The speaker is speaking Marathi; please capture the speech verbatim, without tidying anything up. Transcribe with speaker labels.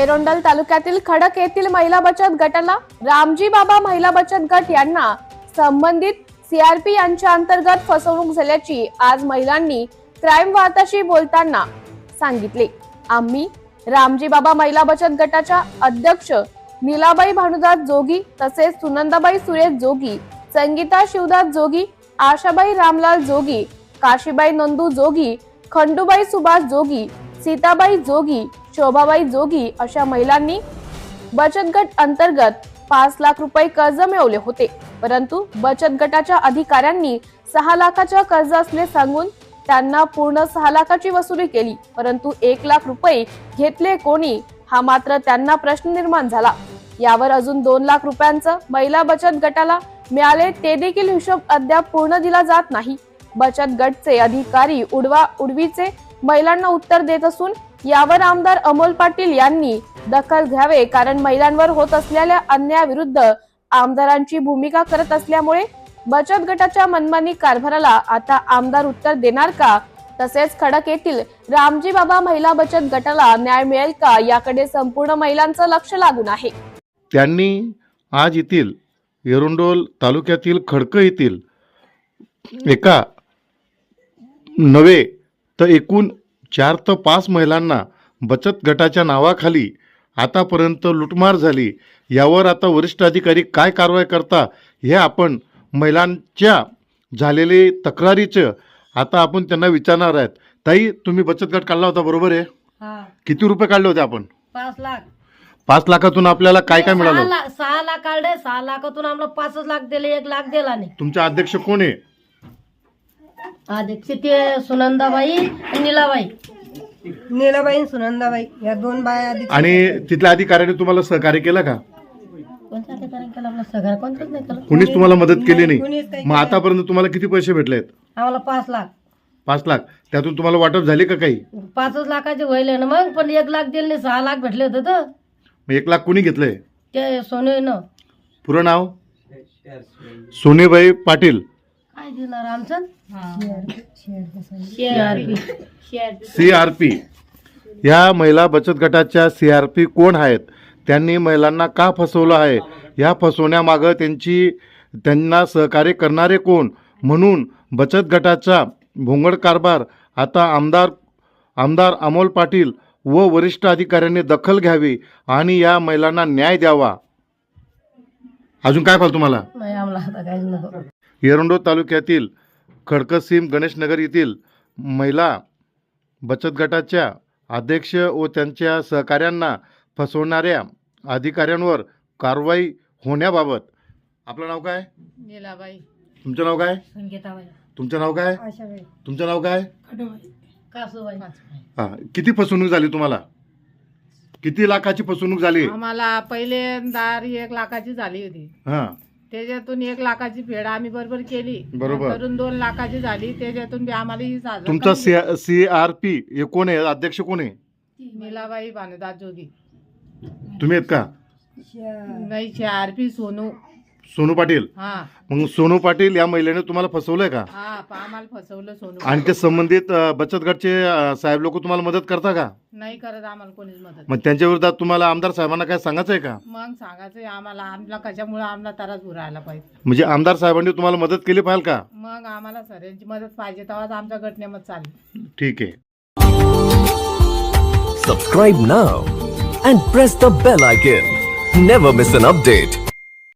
Speaker 1: एरोंडल तालुक्यातील खडक येथील महिला बचत गटाला रामजी बाबा महिला बचत गट यांना संबंधित सीआरपी यांच्या अंतर्गत फसवणूक झाल्याची आज महिलांनी क्राईम वार्ताशी बोलताना सांगितले। आम्ही रामजी बाबा महिला बचत गटाच्या अध्यक्ष नीलाबाई भानुदास जोगी तसेच सुनंदाबाई सुरेश जोगी, संगीता शिवदास जोगी, आशाबाई रामलाल जोगी, काशीबाई नंदू जोगी, खंडूबाई सुभाष जोगी, सीताबाई जोगी, शोभाबाई जोगी अशा महिलांनी बचत गट अंतर्गत पाच लाख रुपये कर्ज मिळवले होते। परंतु बचत गटाच्या अधिकाऱ्यांनी सहा लाखाचे कर्ज असले सांगून त्यांना पूर्ण सहा लाखाची वसुली केली, परंतु एक लाख रुपये घेतले कोणी हा मात्र त्यांना प्रश्न निर्माण झाला। यावर अजून दोन लाख रुपयांचं महिला बचत गटाला मिळाले ते देखील हिशोब अद्याप पूर्ण दिला जात नाही। बचत गटचे अधिकारी उडवा उडवीचे महिलांना उत्तर देत असून यावर आमदार अमोल पाटील यांनी दखल घ्यावे, कारण महिलांवर होत असलेल्या अन्यायाविरुद्ध आमदारांची भूमिका करत असल्यामुळे बचत गटाच्या मनमानी कारभाराला आता आमदार उत्तर देणार का, तसेच खडक येथील रामजी बाबा महिला बचत गटाला न्याय मिळेल का याकडे संपूर्ण महिलांचं लक्ष लागून आहे।
Speaker 2: त्यांनी आज येथील एरोंडोल तालुक्यातील खडक येथील एका नवे तर एकूण चार ते पाच महिलांना बचत गटाच्या नावाखाली आतापर्यंत लुटमार झाली। यावर आता वरिष्ठ अधिकारी काय कारवाई करता हे आपण महिलांच्या झालेले तक्रारीचं आता आपण त्यांना विचारणार आहेत। ताई, तुम्ही बचत गट काढला होता बरोबर आहे?
Speaker 3: हा,
Speaker 2: किती रुपये काढले होते आपण?
Speaker 3: पाच लाख
Speaker 2: पाच लाखातून आपल्याला काय काय मिळालं?
Speaker 3: सहा लाख सहा लाख काढले, सहा लाखातून आम्हाला पाचच लाख दिले, एक लाख दिला नाही।
Speaker 2: तुमचा अध्यक्ष कोण आहे?
Speaker 3: अध्यक्ष ते सुनंदाबाई आणि नीलाबाई
Speaker 4: नीलाबाई सुनंदाबाई या दोन बाया आधी
Speaker 2: आणि तिथल्या अधिकाऱ्याने तुम्हाला सहकार्य केलं का?
Speaker 3: कोणत्या अधिकाऱ्याने केलं? आपलं सगळं कोणतंच नाही केलं,
Speaker 2: कुणीच तुम्हाला मदत केली
Speaker 4: कुणीच
Speaker 2: नाही?
Speaker 4: काही
Speaker 2: मग आतापर्यंत तुम्हाला किती पैसे भेटलेत?
Speaker 3: आम्हाला पाच लाख
Speaker 2: पाच लाख त्यातून तुम्हाला वाटप झाले का काही?
Speaker 3: पाचच लाखाचे व्हायले ना, मग पण एक लाख दिले नाही, सहा लाख भेटले होते तर
Speaker 2: मग एक लाख कुणी घेतलंय?
Speaker 3: ते सोने
Speaker 2: पुरं नाव? सोनेबाई पाटील।
Speaker 3: काय देणार आमचं?
Speaker 2: सी आर पी या महिला बचत गटाच्या सी आर पी कोण आहेत? त्यांनी महिलांना का फसवलं आहे? या फसवण्यामागं त्यांची त्यांना सहकार्य करणारे कोण? म्हणून बचत गटाचा भोंगड कारभार आता आमदार आमदार अमोल पाटील व वरिष्ठ अधिकाऱ्यांनी दखल घ्यावी आणि या महिलांना न्याय द्यावा। अजून काय पाहिजे तुम्हाला?
Speaker 3: नाही, आम्हाला आता काहीच नको।
Speaker 2: एरोंडो तालुक्यातील खडकसीम गणेशनगर येथील महिला बचत गटाच्या अध्यक्ष व त्यांच्या सहकाऱ्यांना फसवणाऱ्या अधिकाऱ्यांवर कारवाई होण्याबाबत आपलं नाव काय?
Speaker 3: नीलाबाई।
Speaker 2: तुमचं नाव काय?
Speaker 3: संगीताबाई।
Speaker 2: तुमचं नाव काय?
Speaker 4: आशाबाई
Speaker 2: तुमचं नाव काय?
Speaker 3: कासूबाई।
Speaker 2: हां, किती फसवणूक झाली तुम्हाला? किती लाखाची फसवणूक झाली?
Speaker 5: आम्हाला पहिल्यांदा एक लाखाची झाली होती,
Speaker 2: हां,
Speaker 5: त्याच्यातून एक लाखाची फेड आम्ही बरोबर केली,
Speaker 2: बरोबर.
Speaker 5: नंतरून दोन लाखाची झाली, त्याच्यातून बी आम्हाला ही साजरा
Speaker 2: तुमचा सी सी आर पी हे कोण आहे? अध्यक्ष कोण आहे?
Speaker 5: नीलाबाई भानुदास जोगी।
Speaker 2: तुम्ही आहेत का?
Speaker 5: नाही, आरपी सोनू
Speaker 2: सोनू पाटील।
Speaker 5: हा
Speaker 2: मग सोनू पाटील या महिलेने तुम्हाला फसवलंय का?
Speaker 5: हा पा- आम्हाला फसवलं सोनू।
Speaker 2: आणि ते संबंधित अ, बचत गटचे अ, साहेब लोक तुम्हाला मदत करता का?
Speaker 5: नाही करत आम्हाला कोणीच मदत।
Speaker 2: मग त्यांच्या विरोधात तुम्हाला आमदार साहेबांना काय सांगायचं आहे का?
Speaker 5: मग सांगायचंय आम्हाला, आम्हाला कशामुळे आम्हाला त्रास उरायला पाहिजे।
Speaker 2: म्हणजे आमदार साहेबांनी तुम्हाला मदत केली पाहिजे का?
Speaker 5: मग आम्हाला सगळ्यांची मदत पाहिजे, तेव्हाच आमचा गट नेमत चालेल।
Speaker 2: ठीक आहे।
Speaker 6: Subscribe now and press the bell icon. Never miss an update.